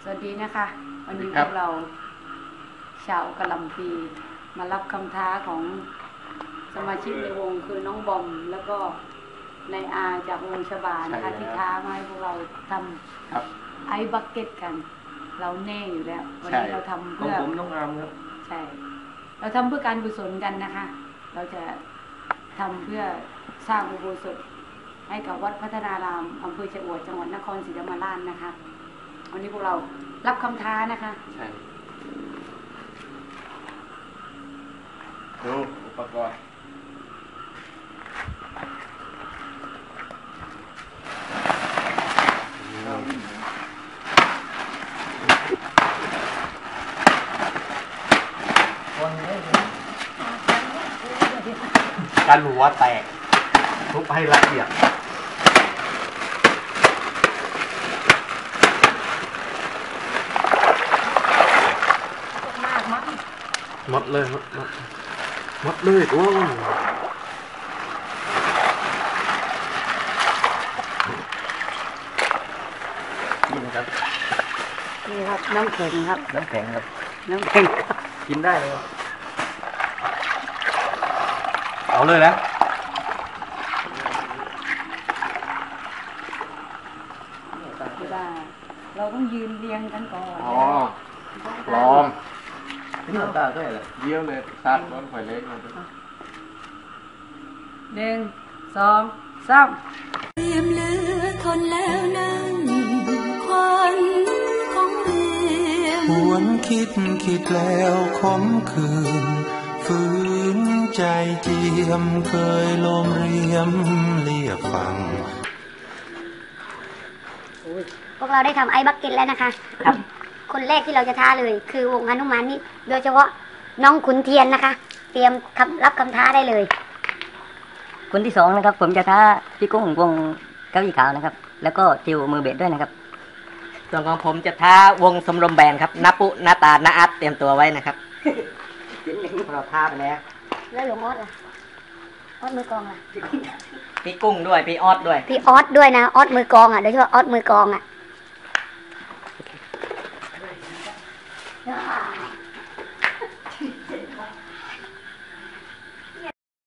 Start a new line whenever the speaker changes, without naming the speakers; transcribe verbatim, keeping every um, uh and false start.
สวัสดีนะคะวันนี้พวกเราชาวกะหล่ำปีมารับคำท้าของสมาชิกในวงคือน้องบอมแล้วก็นายอาจากวงชบานะคะที่ท้ามาให้พวกเราทำไอซ์บักเก็ตกันเราแน่อยู่แล้ววันนี้เราทำเพื่อ
ผมน้องอามครับ
ใช่เราทำเพื่อการกุศลกันนะคะเราจะทำเพื่อสร้างอุโบสถให้กับวัดพัฒนารามอำเภอชะอวดจังหวัดนครศรีธรรมราชนะคะวันนี้พวกเรารับคำท้านะคะ
ใช่ดูอุปกรณ์การหัวแตกทุบให้ละเอียดหมดเลยหมดหมดหมดเลยโอ้นี่นะครับ
นี่ครับน้ำแข็งครับ
น้ำแข็งครับ
น้ำแข็ง
กินได้เลยเอาเลยนะ
ไม่ได้เราต้องยืนเรียงกันก่อน
อ๋อพร้อมนี่ตาด้วยเหรอเยี่ยวเลยซัดร้อนไฟเล็กมา
หนึ่งสองสาม
เตรียมเหลือทนแล้วนั่งควันของเรียม
หวนคิดคิดแล้วขมคืนฝืนใจเจียมเคยลมเรียมเรียกฟัง
พวกเราได้ทำไอ้บักเก็ตแล้วนะคะครับคนแรกที่เราจะท้าเลยคือวงฮนุมานนี่โดยเฉพาะน้องขุนเทียนนะคะเตรียมรับคำท้าได้เลย
คนที่สองนะครับผมจะท้าพี่กุ้งวงเก้าอี้ขาวนะครับแล้วก็จิวมือเบสด้วยนะครับ
ส่วนของผมจะท้าวงสมรมแบนครับนาปุนาตานาอัดเตรียมตัวไว้นะครับเราท้าไปแล้ว
แล้วหลวงออสล่ะออสมือกองล่ะ
พี่กุ้งด้วยพี่ออสด้วย
พี่ออสด้วยนะออสมือกองอ่ะโดยเฉพาะออสมือกองอ่ะ